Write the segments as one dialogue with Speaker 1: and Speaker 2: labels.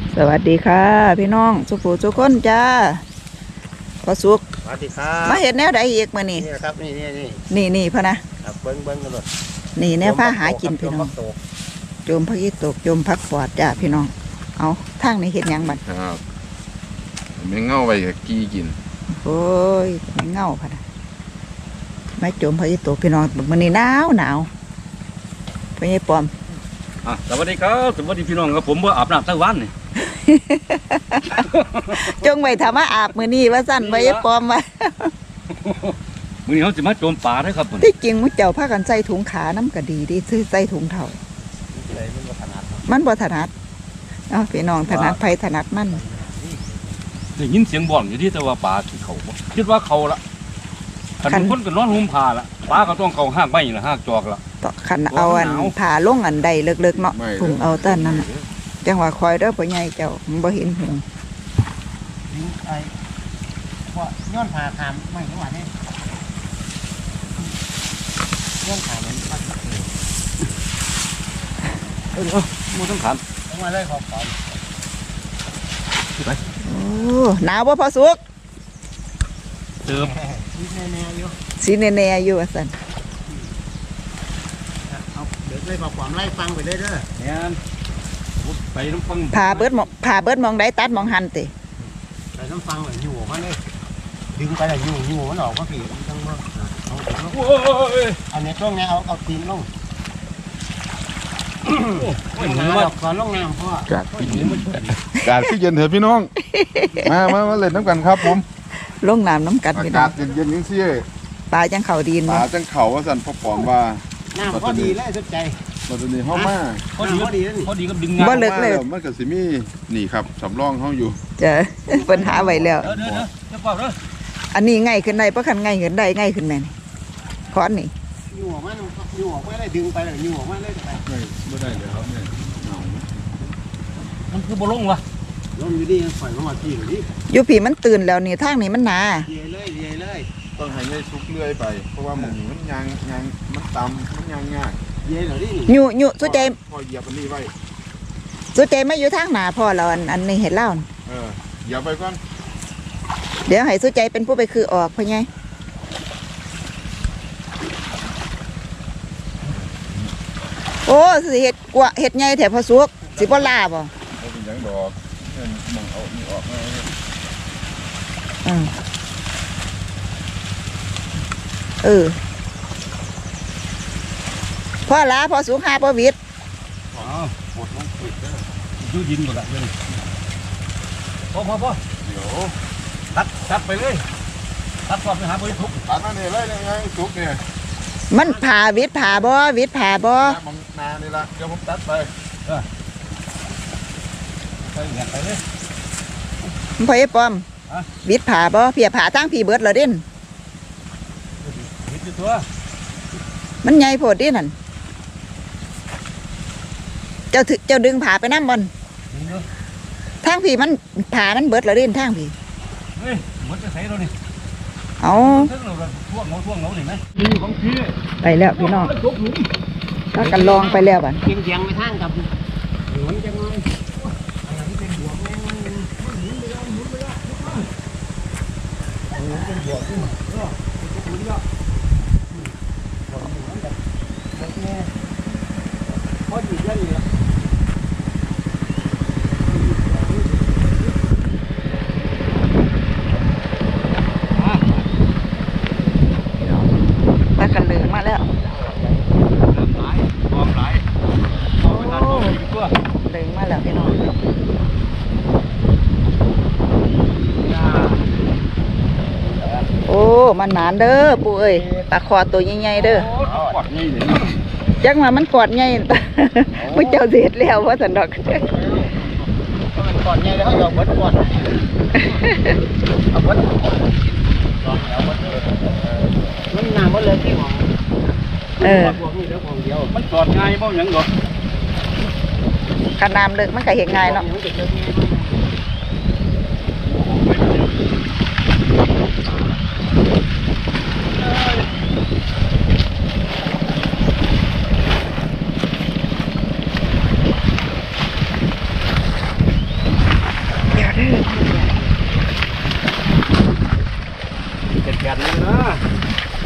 Speaker 1: สวัสดีค่ะพี่น้องสุภูสุคนจ้าพอสุก
Speaker 2: สวัสดีครับ
Speaker 1: มาเห็นแนวใดอีกมานี่
Speaker 2: นี่ครับนี่
Speaker 1: พะนะครับ
Speaker 2: เบิ้งกันเลย
Speaker 1: นี่แนวผ้าหากินพี่น้องโจมพักอีตกโจมพักปอดจ้าพี่น้องเอาทางนี้เห็นยังบัด
Speaker 3: ครับไม่เง่าไปกี้กิน
Speaker 1: โอ้ยไม่เงาพะนะไม่โจมพักอีตกพี่น้องมันนี่หนาวพี่ไอ้ปอม
Speaker 4: สวัสดีครับสวัสดีพี่น้องครับผมว่าอาบน้ำทั้งวันนี่
Speaker 1: จงไว้ทำมาอาบมือนี่ว่าสั้นไว้ไอ้ปอมมา
Speaker 4: มื้อนี้เขาจะมาโจมป่าได้ครับ
Speaker 1: ที่จริงมุ้เจ้าผ้ากันใส่ถุงขาน้ำก็ดีดิซื้อใส่ถุงเท่ามันบ่ถนัดเอาพี่น้องถนัดไผถนัดมัน
Speaker 4: ได้ยินเสียงบ่อนอยู่ที่แต่ว่าป่าที่เขาคิดว่าเขาละขันคนก็นอนหุ้มผ้าละป่าก็ต้องเขาห้างใบละห้างจอกละ
Speaker 1: ต่อขันเอาอันผ่าลงอันใดเลิกๆเนาะถุงเอาต้นนั่นจังหวะคอยเด้อพ่อใหญ่เจ้ามันบ่เห็นหง
Speaker 2: ไอ้พวกย้อนผ่าทำไม่จังหวะนี้ย้อนผ่ามันพัด
Speaker 4: มูต้องถาม
Speaker 2: ต้องมาเลยขอบคุณ
Speaker 1: ไปโอ้หนาวบ่พอสุก
Speaker 4: เติม
Speaker 1: สีแน่ๆอยู่ว่าซั่น
Speaker 2: เอาเดี๋ยวเลยขอบความไล่ฟังไปเด้อ
Speaker 4: เนี่ยไปน้ำฟัง
Speaker 1: ผ่าเบิดมองได้ตัดมองหันติ
Speaker 2: ไปน้ำฟังเลยอยู่มันเลยดึงไปเลยอยู่มันออกก็ผีทั้งหมดเอาในช่วงนี้เอาตีนลงก่อนลงน้ำพ่อกาดพี่
Speaker 3: เย็นเถอะพี่น้องมาเล่นน้ำกันครับผม
Speaker 1: ลงน้ำน้ำกัด
Speaker 3: อากาศเย็นนี่สิ
Speaker 1: ปลาจังเข่าดีน
Speaker 3: ปลาจังเข่าว่าสันพอปอมว่า
Speaker 2: น้ำก็ดีเลยสุดใจ
Speaker 3: ตอนนี้ห้องมา
Speaker 4: พอดีก็ดึง
Speaker 1: บ่เลิกเลย
Speaker 3: มันก็สิมีนี่ครับสำรองห้องอยู่
Speaker 1: จะปัญหาไว้แล้วอันนี้ง่ายขึ้นได้เพราะคันง่ายขึ้นได้ง่ายขึ้นแม่นี่คอนนี่
Speaker 2: อยู่ออกมาได้ดึงไปเลยอยู่ออกมาได้ไป
Speaker 3: ไม่ได้เลยครับเนี่ย
Speaker 4: มันคือบ่ลงวะ
Speaker 2: ลงอยู่ดีปล่อยมาที่อยู่ดิ
Speaker 1: อยู่ผีมันตื่นแล้วนี่ทางนี้มันหนา
Speaker 2: เยเลย
Speaker 3: ต้องให้ยายซุกเลื่อยไปเพราะว่าหมูมันยางมันตำมันยางง่าย
Speaker 2: เย่เหรอดิ
Speaker 1: อยู่สุดใจ
Speaker 3: พอเหยียบอันนี้ไว้
Speaker 1: สุดใจไม่อยู่ทางหนาพ่อเราอันนี้เห็นเล่า
Speaker 3: เหยียบไปก่อน
Speaker 1: เดี๋ยวให้สุดใจเป็นผู้ไปคือออกพ่อไงโอ้สิเห็ดกว่าเห็ดไงแถวพอสุกสิบ่ลาบ่
Speaker 3: เป็นยังดอกมองเอานี่ออก
Speaker 1: พ่อลาพ่อสุกหาพ่อวิทย์
Speaker 4: ปวดน้องปิดเลยยูดินหมดละเลยพ่อ
Speaker 3: เดี๋ยว
Speaker 4: ตัดไปเลยตัดก่อนไปหาบริทุก
Speaker 3: ตัดนั่นนี่เลยยังไงสุกเนี่ย
Speaker 1: มันผ่าวิทย์ผ่าบ่วิทย์ผ่าบ่
Speaker 3: มองนานี่ละเดี๋ยวผมตัดไป
Speaker 4: ไปเลย
Speaker 1: พ่อไอ้ปอมวิทย์ผ่าบ่เพียผ่าตั้งผีเบิดเหรอเด่น
Speaker 4: วิทย์ตัว
Speaker 1: มันใหญ่โพดดินั่นเจ้าดึงผ่าไปน้ำบอลทางผีมันผ่ามันเบิดเหรอเด่นทางผี
Speaker 4: เฮ้ยมันจะใส่เรานี่
Speaker 1: เอา
Speaker 4: ท่วงเราเห็นไหม
Speaker 1: ไปแล้วพี่น้องถ้ากันลองไปแล้วบ้าน
Speaker 2: เกียงไปทางกับหมุนจังเลยอะไรที่เป็นบวกแม่หมุนไปแล้วเป็นบวกขึ้นพอดีเยอะเลย
Speaker 1: ปลากันเหลืองมาแล้วเหลืองมาแล้วพี่น้องโอ้มันหนานเด้อปู่เอ้ยปลาคอตัวใหญ่ๆเด้อจังว่ามันกอดใหญ่ผู้เจ้าเสียดแล้วเพราะสันดอก
Speaker 2: กอดใหญ่แล้วเขาเอาเบิดกอดเอาเบิดมันหนาหมดเลยที่ของ
Speaker 4: มันกอดง่ายบ้างยังหรอ
Speaker 1: ขนาดเลิกมันก็เห็นง่ายเนาะ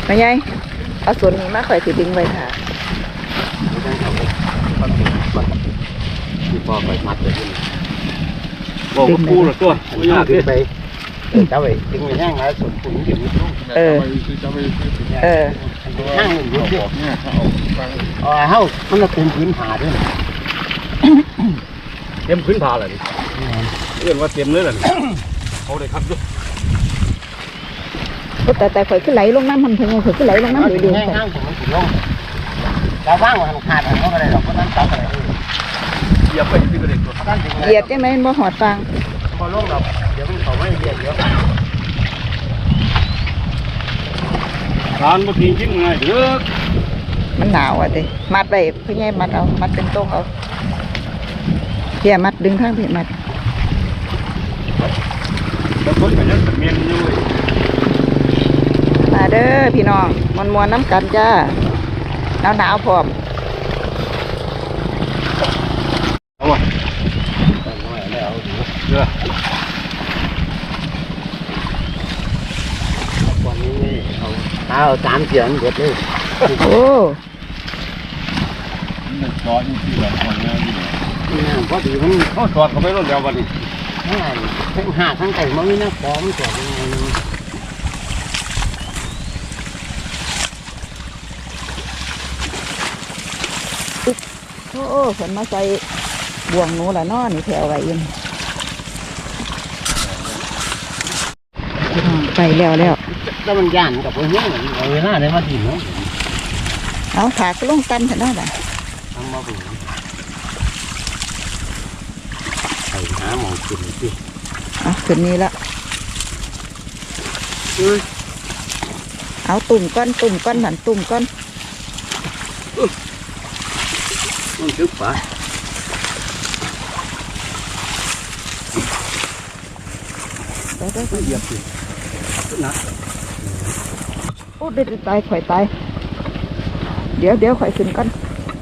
Speaker 1: ไปยัยเอาส่วนนี้มาข่อยสิดึงไว้ค่ะ
Speaker 2: ไม่ต้องเอาความจริงมันที่พอไปมัดเลยนี่
Speaker 4: บอกว่ากูละตัว
Speaker 2: อันนี้ขึ้นไปเจ้าไปดึงไปแห้งแล้วส่วนคุณเดี๋ยวนี้ต้อง
Speaker 3: จะไป
Speaker 2: นั่งอยู่ที่
Speaker 3: บอกเนี่ยเขาเอาฟัง
Speaker 2: เฮ้ามันละเป็นพื้นผาด้วย
Speaker 4: เต็มพื้นผาเลยดิเรียกว่าเต็มเลยล่ะเขาได้ครับด้วย
Speaker 1: โอ้แต่ข่อยขึ้นไหลลงน้ำมันพุ่งข่อยขึ้นไหลลงน้ำ
Speaker 2: ดึ
Speaker 1: เดื
Speaker 2: ง
Speaker 1: อด
Speaker 2: แห้งนั่งผมมันถึงลงเราว่างมันขาดมันก็อะไรหรอกเพราะนั้นจับอะไร
Speaker 4: เหยียบไปที่กระเด็นตัว
Speaker 1: เหยียดใช่ไหมบ่หอดฟัง
Speaker 2: พอลงเราเดี๋ยวมันเขาไม่เหยียดเยอะ
Speaker 4: ทานบางทีกินง่ายเด้อ
Speaker 1: มันหนาวอ่ะเด้มัดไปเพื่อให้มัดเอามัดเป็นโต๊ะเอาเพียมัดดึงข้างเพียมัด
Speaker 4: บางคนก็ยังเมียนอยู่
Speaker 1: มาเด้อพี่น้องมวนๆน้ำกันจ้าหนาวพร้อม
Speaker 4: เอาวะ
Speaker 2: ไม่เอาดู
Speaker 4: เด้อ
Speaker 2: วันนี้เอา3 เสียงเบิดเลย
Speaker 1: โอ้
Speaker 3: มันจอดอยู่ที่แบบคนนี้อยู่
Speaker 2: นี่พอดีมัน
Speaker 4: เขาจอดเขาไปรถเดียววันนี้
Speaker 2: ทั้งหาทั้งไก่มันมีน้ำฟองตัวยังไง
Speaker 1: โอ้ฝนมาใส่บ่วงหนูละเนาะนี่แถวไว้ยินพี่น้องไปแล้ว
Speaker 2: แล้วมันย่านกับพวกนี้เวลาได้มาถิ่นเนาะ
Speaker 1: เอาขาก็ลงตันเถอะเนาะบ่ะ
Speaker 2: ทำมาบุ๋มใส่หาหมองกินสิ
Speaker 1: เอาขึ้นนี้ละเอาตุ่มก้อนหันตุ่มก้อน
Speaker 2: มันทึกฝา
Speaker 1: เดี๋ยว
Speaker 2: เหยียบสินะ
Speaker 1: โอ้เด็ดตายข่อยตายเดี๋ยวข่อยขึ้นก้อน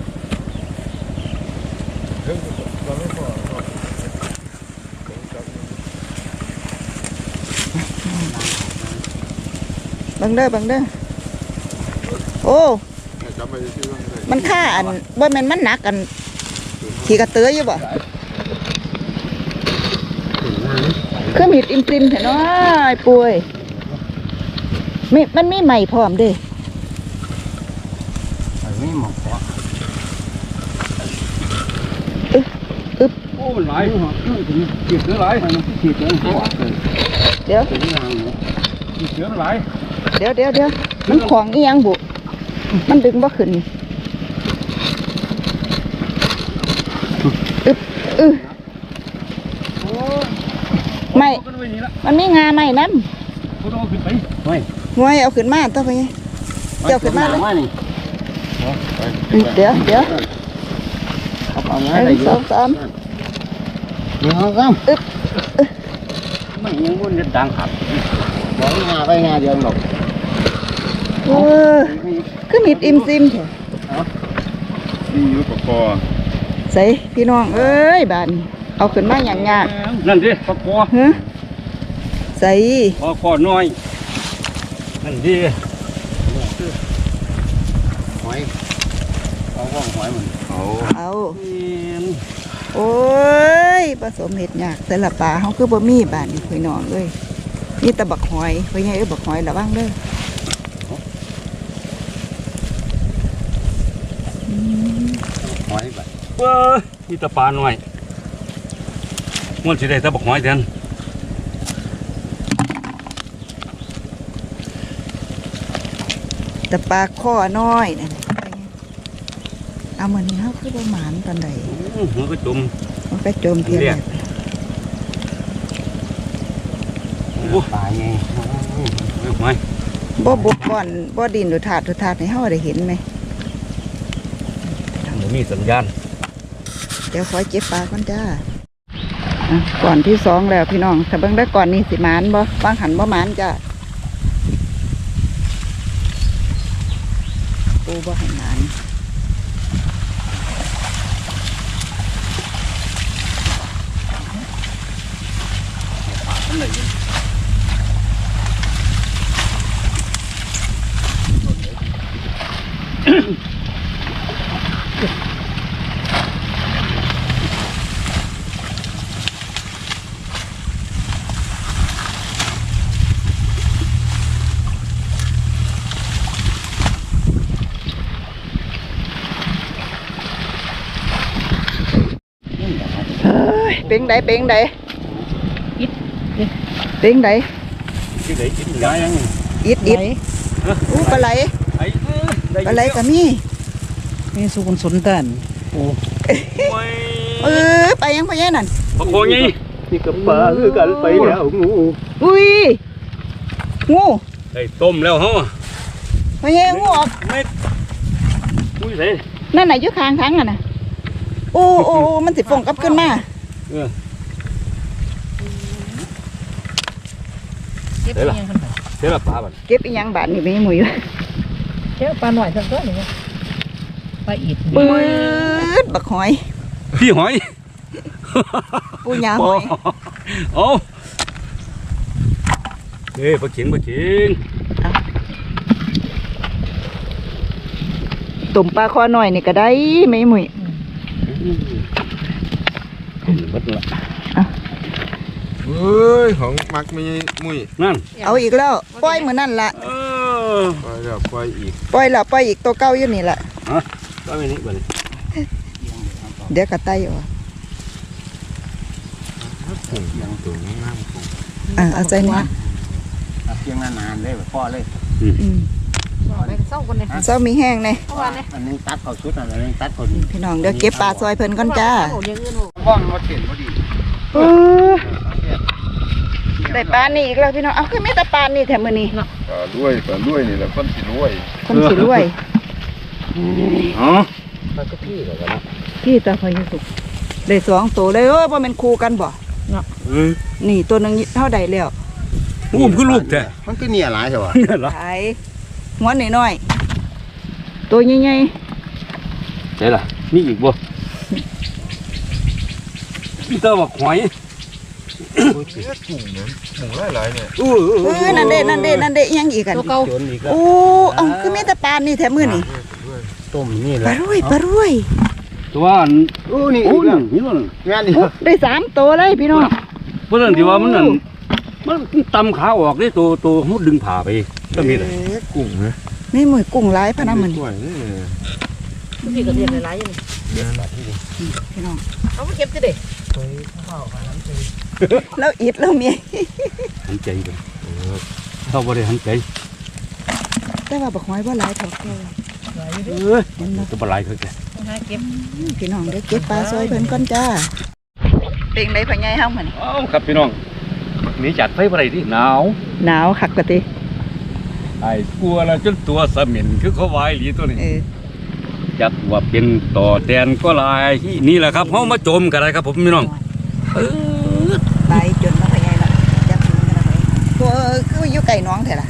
Speaker 1: บังเด้อโอ้
Speaker 3: จะไปที่นั่นเลย
Speaker 1: มันค่าอันบ่แม่นมันหนักกันขี่กระเตื้ออยู่บ่
Speaker 2: ถึงงาน
Speaker 1: คือมีดอิมซิมเถอะเนาะไอ้ป่วยมันมีใหม่พร้อมเด้
Speaker 2: ไอ้ไม่หมอก
Speaker 4: โอ้หลายเก็บเสือหลาย
Speaker 2: ขีดเลยหัว
Speaker 1: เดี๋ยว
Speaker 2: ถึงงาน
Speaker 4: เสือหลาย
Speaker 1: เดี๋ยวมันของอีหยังบุมันดึงบ่ขึ้นไม่มันมีงาไม่น้
Speaker 4: เขาต้องขึ้นไป
Speaker 2: เฮ้ย
Speaker 1: ำงวยเอาขึ้นมาต่อไปไงเจ้าขึ้นมาเลย
Speaker 2: นี่
Speaker 1: เดี๋ยว
Speaker 2: เอา
Speaker 1: ห
Speaker 2: เงี้ย
Speaker 1: นึ่งสองสาม
Speaker 2: นี่เขาซ้
Speaker 4: มันยังบนจะดังขับ
Speaker 2: ำบอกงาไปงาเดียวหรอก
Speaker 1: เออคือมีดอิมซิมเถอะ
Speaker 3: นี่อยู่กับคอ
Speaker 1: ใส่พี่น้องเอ้ยบานเอาขึ้นมาอย่างยาก
Speaker 4: นั่นดิปลาคอ
Speaker 1: ฮะใส่
Speaker 4: ปลาคอน้อยนั่นดิ
Speaker 2: หอยเอาว่องหอยมัน
Speaker 3: เอา
Speaker 1: เอาโอ้ยผสมเห็ดยากแต่ละปลาเขาคือบ่มีบานนี่พี่น้องเอ้ยนี่ตะบักหอยไปไงบักหอยระวังเด้อ
Speaker 2: หอยแบบ
Speaker 4: นี่ตะปลาหน่อยมันสิได้ตะบักหอยแทน
Speaker 1: แต่ปลาข้อน้อยนั่นเอาเหมือนนี้เขาคือประมาณตอนใด
Speaker 4: มันก็จุ่ม
Speaker 1: มันก็โจมเพียง
Speaker 4: เรียก
Speaker 2: ปลาไง
Speaker 4: หอย
Speaker 1: บ่บุกบ่อนบ่ดินดูถาดให้เฮาได้เห็นไหม
Speaker 4: มันมีสัญญาณ
Speaker 1: เดี๋ยวขอเก็บปลาก่อนจ้าอ่ะก่อนที่สองแล้วพี่น้องถ้าเบิ่งได้ก่อนนี่สิหมานบ่วางหันบ่หมานจ้าปูบ่ให้หมาน
Speaker 4: อันไหน
Speaker 1: ยเป็นไดเป็นได
Speaker 5: อิด
Speaker 1: เป็นได
Speaker 4: ที่ไหนกินได้ยัง
Speaker 1: อิดอิดอู้ปลาไหล
Speaker 4: ไอ้
Speaker 1: ปลาไหลก็มี
Speaker 5: นี่สุกุนสนตันโอ้
Speaker 1: ไปยังไปยังนั่น
Speaker 4: ปะโคย
Speaker 2: นี่กับปลาคือกันไปแล้วงู
Speaker 1: อุ้ยงู
Speaker 4: ไอ้ต้มแล้วเฮา
Speaker 1: ไปยังงูออก
Speaker 4: ไม่อุ้ยใส่
Speaker 1: นั่นน่ะอยู่ข้างทางอ่ะน่ะโอ้โอ้มันสิฟงกลับขึ้นมา
Speaker 5: เก็บยังขึ้นไป
Speaker 4: เดี๋ยวละปลาบัด
Speaker 1: เก็บอีหยังบาดนี่ไปให้หมุย
Speaker 5: เก็บปลาหน่อยสักตัวหนึ่งปลาอิด
Speaker 1: ปื๊ดบักหอย
Speaker 4: พี่หอย
Speaker 1: ปูหยาหอย
Speaker 4: เอาเฮ้ยปลาเข็งปลาเข็ง
Speaker 1: ตุ่มปลาคอหน่อยนี่ก็ได้ไม่หมุย
Speaker 4: บัดละ
Speaker 3: เฮ้ยของมักไม่มุ้ย
Speaker 4: นั่น
Speaker 1: เอาอีกแล้วปล่อยมือนั่นละ
Speaker 3: ปล่อยแล้วปล่อยอีก
Speaker 1: ปล่อยละปล่อยอีกตัวเก่าอยู่นี่ละ
Speaker 4: ก็ไม่นี่บัดนี้
Speaker 1: เดี๋ยวกระไตออก
Speaker 3: ผงยังตัวงามผง
Speaker 1: เอาใจเนี่ย
Speaker 2: เพียงนานๆเลยพ่อเลย
Speaker 5: ไปเศร้าคนเลย
Speaker 1: เจ้ามีแห้งเลย
Speaker 5: เพราะว่าเนี่ย
Speaker 2: อันนึงตัดเขาชุดอันนึงตัดคน
Speaker 1: พี่น้องเดี๋ยวเก็บปลาซอยเพิ่นก่อนจ้า
Speaker 5: โอ้ยังอื่น
Speaker 2: ห้องรถเข็นพอดี
Speaker 1: ได้ปลานี่อีกแล้วพี่น้องเอาขึ้นไม่แต่ปลานี่แถมมือนี่
Speaker 3: ปลาด้วยนี่แหละคนสิรวย
Speaker 1: คนสิรวย
Speaker 4: อ๋อ
Speaker 2: มันก็พี่เลยนะ
Speaker 1: พี่ตาพายุสุกได้2ตัวเลยว่าเป็นคู่กันบ่นี่ตัวหนึงเท่าใดแล้ว
Speaker 4: อุ้มคือลูกแท้
Speaker 2: มันก็เนี่ยหลายใช่ปะ
Speaker 4: นี่ล่ะ
Speaker 1: ขายหัวน้อยๆตัวใหญ่
Speaker 4: ใช่ล่ะมีอีกบ่พี่เตอร์บอกหอย
Speaker 3: กุ้งนะหมูหลายๆเนี่ย
Speaker 1: ๆนั่นเด้ยังอีกกัน
Speaker 5: ตัวเก่า
Speaker 2: จนอีกแล้ว
Speaker 1: โอ้เอาคือมีแต่ปลานี่แถมมือนี่
Speaker 2: ต้มนี่แห
Speaker 1: ปลา
Speaker 2: ละ
Speaker 1: รวย
Speaker 4: ตัวอัน
Speaker 2: นี่
Speaker 4: โอ้
Speaker 2: อีก
Speaker 4: ย
Speaker 2: แล้ว
Speaker 4: นี่นั่น
Speaker 2: งานนี่
Speaker 1: โอ้ได้3ตัวเลยพี่น้อง
Speaker 4: เพราะนั่นที่ว่ามันนั่นมันตำขาออกได้ตัวมุดดึงผ่าไปก็มีเลย
Speaker 3: กุ้งนะ
Speaker 1: นี่มือกุ้งหลายพะนะมัน
Speaker 3: สวยนี่
Speaker 5: พี่ก็เรียนหลายๆอย่าง
Speaker 1: พี่น้อง
Speaker 5: เอาไปเก็บสิเด็ก
Speaker 1: แล้วอิดแล้วเมีย
Speaker 4: หันใจไปเข้าบ่ได้หันใจ
Speaker 1: แต่ว่าบักหอยบ่หลายเท่าเก่า
Speaker 4: ตัวปลาไหลคือแก
Speaker 5: หาเก็บ
Speaker 1: พี่น้องเดี๋ยวเก็บปลาซอยเพิ่นก่อนจ้าเป็นไดพ่อใหญ่เฮามื้อนี้
Speaker 4: อ้าวครับพี่น้องหนีจากไฟบ่ได้ที่หนาว
Speaker 1: หนาวคักกะติ
Speaker 4: ไอ้กลัวแล้วจนตัวสมินคือเขาวายหลีตัวนี้
Speaker 1: เออ
Speaker 4: จัดว่าเป็นต่อแตนก็ลายนี่แหละครับเฮามาโจมกันได้ครับผมพี่น้อง
Speaker 1: ไปจนมาพ่อใหญ่ละจับถึงกันละไปตัวคืออยู่ไก่น้องแท้ล่ะ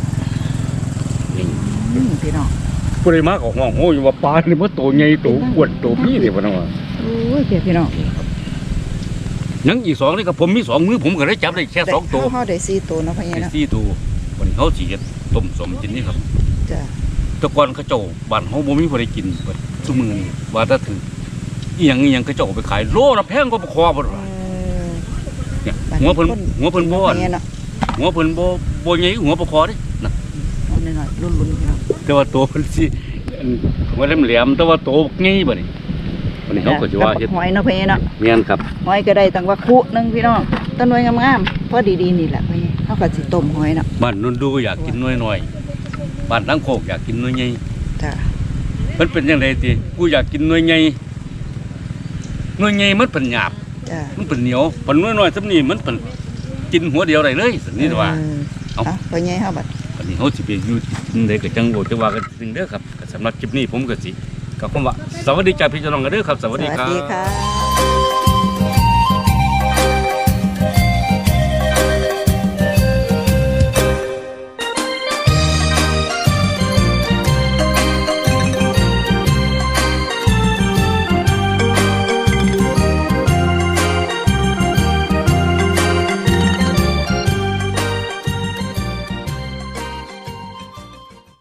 Speaker 1: พี่น้อง
Speaker 4: ผู้ใดมาก็ห้องโหอยู่ว่าปลานี่มันโตใหญ่โตอ้วนโตพี่นี่ว่าน้องว่า
Speaker 1: โอ้ยพี่น้อง
Speaker 4: ยังอีก2นี่ครับผมมี2มือผมก็ได้จับได้แค่2ตัว
Speaker 1: เฮาได้4ตัวเนาะพ่อใหญ่
Speaker 4: ไอ้
Speaker 1: เนาะ
Speaker 4: 4ตัววันนี้เฮาสิเฮ็ดต้มสมกินนี่ครับ
Speaker 1: จ้ะ
Speaker 4: แต่ก่อนเขาเจ้าบ้านเฮาบ่มีผู้ใดกินเบิดซุมื้อนี้ว่าถ้าถืออีหยังเขาเจ้าเอาไปขายโลละแพงกว่าปลาคอบ่ล่ะเนี่ยหัวเพิ่นบ่อัน
Speaker 1: เนาะ
Speaker 4: หัวเพิ่นบ่ใหญ่หัวปลาคอเด้นะ
Speaker 1: เอาหน่อยๆลุ้นๆพี่น้อง
Speaker 4: แต่ว่าตัวเพิ่นสิหัวแหลมๆแต่ว่าโตใหญ่บัดนี้วันนี้เฮาก็สิว่าเฮ็ด
Speaker 1: หอยเนาะพ่อใหญ่เนาะ
Speaker 4: แม่นครับ
Speaker 1: หอยก็ได้ตั้งว่าคุนึงพี่น้องต้นหน่วยงามๆพอดีๆนี่แหละพ่อใหญ่เฮาก็สิต้มหอยเนาะ
Speaker 4: บ้านนนดูอยากกินน้อยๆบ้านทั้งโคกอยากกินน้อยใหญ่
Speaker 1: จ้ะ
Speaker 4: มันเป็นจังไดติกูอยากกินน้อยใหญ่มันเป็นหยาบ
Speaker 1: จ้ะ
Speaker 4: มันเป็นเหนียวปันน้อยๆซำนี้มันเป็นกินหัวเดียวได้เลยสันนี่ว่า เอา
Speaker 1: เอาพ่อใหญ่เฮาบัด
Speaker 4: วันนี้เฮาสิไปอยู่ที่ใดก็จังโอจะว่ากันสิ่งเด้อครับก็สำหรับคลิปนี้ผมก็สิก็คำว่าสวัสดีจ้าพี่น้องกันเด้อครับสวัสดีครับ
Speaker 1: ค่ะ